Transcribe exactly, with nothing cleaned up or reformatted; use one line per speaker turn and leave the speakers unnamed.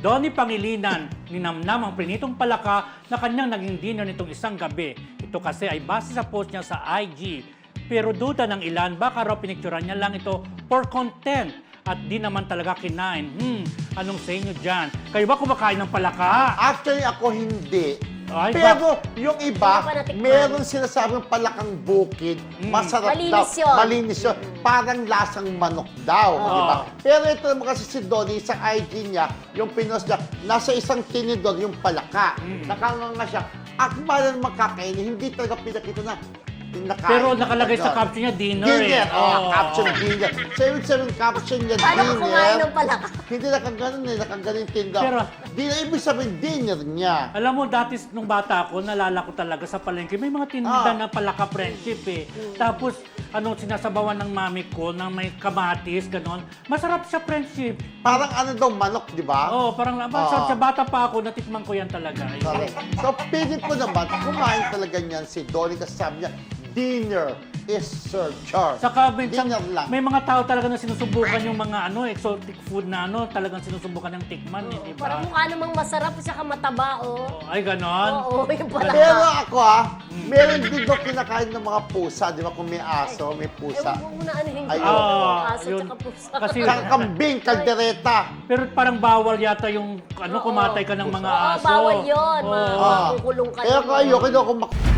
Donnie Pangilinan ni Namnam ang prinitong palaka na kanyang naging dinner nitong isang gabi. Ito kasi ay base sa post niya sa I G. Pero duda ng ilan, baka raw pinicturan niya lang ito for content at di naman talaga kinain. Hmm, anong sa inyo dyan? Kayo ba kumakain ng palaka?
Actually, ako hindi.
Ay,
Pero yung iba,
Hindi ko pa natikman.
meron sinasabing palakang bukid, masarap
Malinis
daw.
yun.
Malinis yun. Parang lasang manok daw.
Oo.
Di ba? Pero ito naman kasi si Donnie, sa I G niya, yung pinost niya, nasa isang tinidor yung palaka. Nakanganga siya. Akala naman kakainin, hindi talaga pinakita na pinakain.
Pero nakalagay sa
Ganon.
caption niya, dinner,
Dinner,
eh.
oh,
Oo.
caption dinner. So, ibig sabihin, caption niya,
Paano ka
dinner.
kumain ng palaka?
Hindi nakaganon eh, nakaganon yung tinda.
Pero-
dinner, ibig sabihin, dinner niya.
Alam mo, dati nung bata ako, nalala ko talaga sa palengke, may mga tinda
Ah.
na palaka friendship eh. Tapos, ano, sinasabawan ng mami ko na may kamatis, ganon. Masarap siya friendship.
Parang ano daw, manok, di ba?
Oo, oh, parang
Ah.
sa, sa bata pa ako, natikman ko yan talaga.
Correct. So, pilit ko naman, kumain talaga niyan si Donnie kasi sabi niya, dinner is served. Char.
Saka minsan,
Dinner lang.
may mga tao talaga na sinusubukan yung mga ano exotic food na ano, talagang sinusubukan ng tikman, eh, di ba?
Parang mukha namang masarap at saka mataba, oh.
Oh, ay, ganon.
Oo, yung palaka.
Pero ako ah, meron din daw kinakain ng mga pusa, di ba? Kung may aso, may
Eh,
pusa.
huwag mo na ano yung
Ayun.
Ah,
aso
yun.
tsaka pusa.
Kasi,
Saka kambing, kaldereta.
pero parang bawal yata yung ano,
Oo.
kumatay ka ng mga
Oo,
aso.
bawal yun.
Oo.
Ma-
Ah.
makukulong ka.
Kaya
yun.
ko ayoko daw kung mak-